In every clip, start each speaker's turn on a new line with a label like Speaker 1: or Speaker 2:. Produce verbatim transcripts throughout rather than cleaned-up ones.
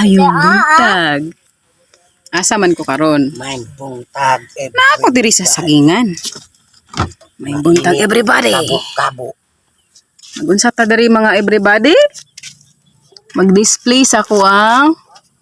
Speaker 1: Mayong buntag. Asa man ko karon?
Speaker 2: May buntag.
Speaker 1: Na ako diri sa sagingan. May buntag everybody.
Speaker 2: Kabo-kabo.
Speaker 1: Nagunsa ta diri mga everybody? Mag-display sa kuang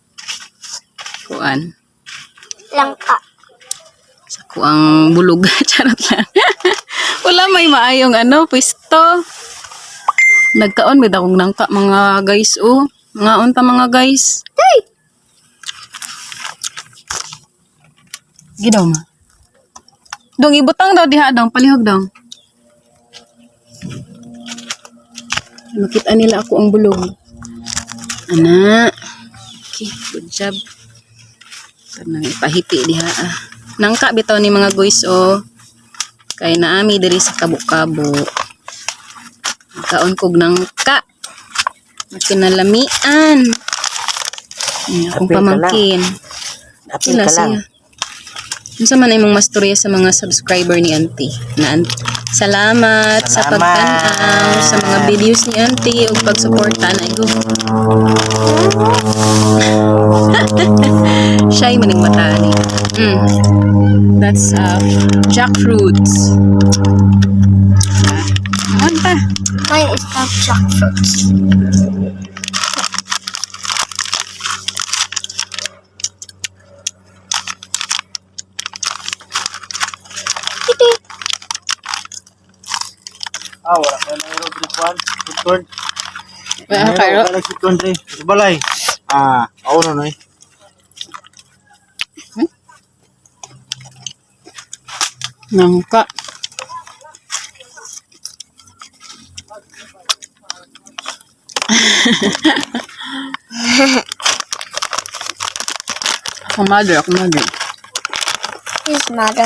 Speaker 1: kuan.
Speaker 3: Langka.
Speaker 1: Sa kuang bulog. Charot lang. Wala may maayong ano, pwesto. Nagkaon may dakong nangka mga guys oh. Mga unta mga guys. Hey! Gidaw ma. Dong ibutang daw diha dong, palihog dong. Makita nila ako ang bulog. Ana. Okay, good job. Tanang ipahiti diha ah. Nangka bitaw ni mga guys oh. Kay naami diri sa kabo-kabo. Kaon kog nangka. Kinalamian. Ay, akong pamangkin.
Speaker 2: Apil
Speaker 1: Sila
Speaker 2: ka lang.
Speaker 1: siya. Unsa man imong masturya sa mga subscriber ni Auntie? Na salamat, sa
Speaker 2: Salamat.
Speaker 1: pagtanaw sa mga videos ni Auntie ug pagsuporta na igo. Shy maning mata ni. Mm. That's uh, jackfruits. Ah, anta.
Speaker 3: Mine is not jackfruits. Kitty.
Speaker 2: Ah, wala ka na ero dripwan. Tutun.
Speaker 1: Wala ka kayo.
Speaker 2: Wala tutun dre. Balay. Ah, ako na noy.
Speaker 1: Nangka. Ako mother, ako mother.
Speaker 3: His mother.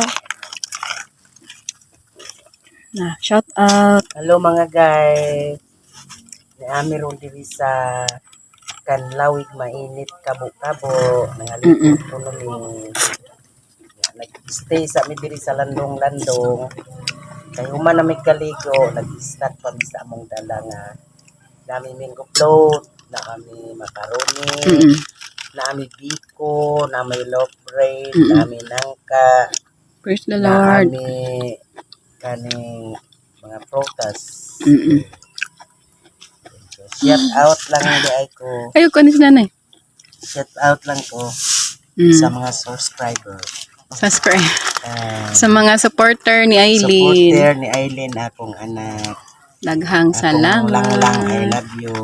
Speaker 1: Na, shout out.
Speaker 2: Hello mga guys. Naami ron diri sa Kanlawig mainit kabo-kabo. Nangalikod ko nung nag-stay sa mi diri sa landong-landong. Kay human na may kaligo, nag-snack pa mi sa among dala nga. Nami mango float, na kami macaroni,
Speaker 1: Mm-mm.
Speaker 2: nami biko, nami loaf bread,
Speaker 1: Mm-mm.
Speaker 2: nami nangka,
Speaker 1: Praise the Lord.
Speaker 2: nami kaning mga prutas.
Speaker 1: Mm-mm.
Speaker 2: Shout out lang di ay ko.
Speaker 1: Ayaw ko ni si nanay.
Speaker 2: Shout out lang ko
Speaker 1: Mm.
Speaker 2: sa mga subscriber.
Speaker 1: Subscribe.
Speaker 2: Uh,
Speaker 1: Sa mga supporter ni Aileen.
Speaker 2: supporter ni Aileen, akong anak.
Speaker 1: Daghang
Speaker 2: Akong
Speaker 1: salamat.
Speaker 2: lang-lang, I love you.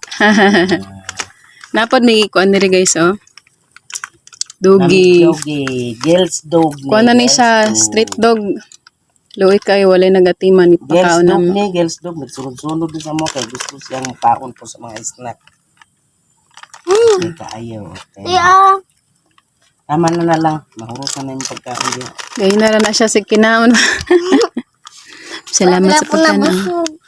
Speaker 1: Napod may kuan diri guys oh.
Speaker 2: Nami
Speaker 1: Dogi.
Speaker 2: Dogi. Girls dog ni.
Speaker 1: Kuan na ni
Speaker 2: girls
Speaker 1: siya,
Speaker 2: dog.
Speaker 1: street dog. Luoy kay walay nagatiman ni
Speaker 2: Girls
Speaker 1: pakaon
Speaker 2: dog
Speaker 1: nam.
Speaker 2: ni, girls dog. Nagsunod-sunod din sa mo kay gusto siyang paon po sa mga snack. Kaya kaayaw. Okay.
Speaker 3: Yeah.
Speaker 2: Tama na na lang. Mahurusan na yung pagkaon din.
Speaker 1: Gayun na ra na siya si kinaon. Salamat
Speaker 3: Wala
Speaker 1: sa
Speaker 3: po na
Speaker 1: pagtanaw.
Speaker 3: busog.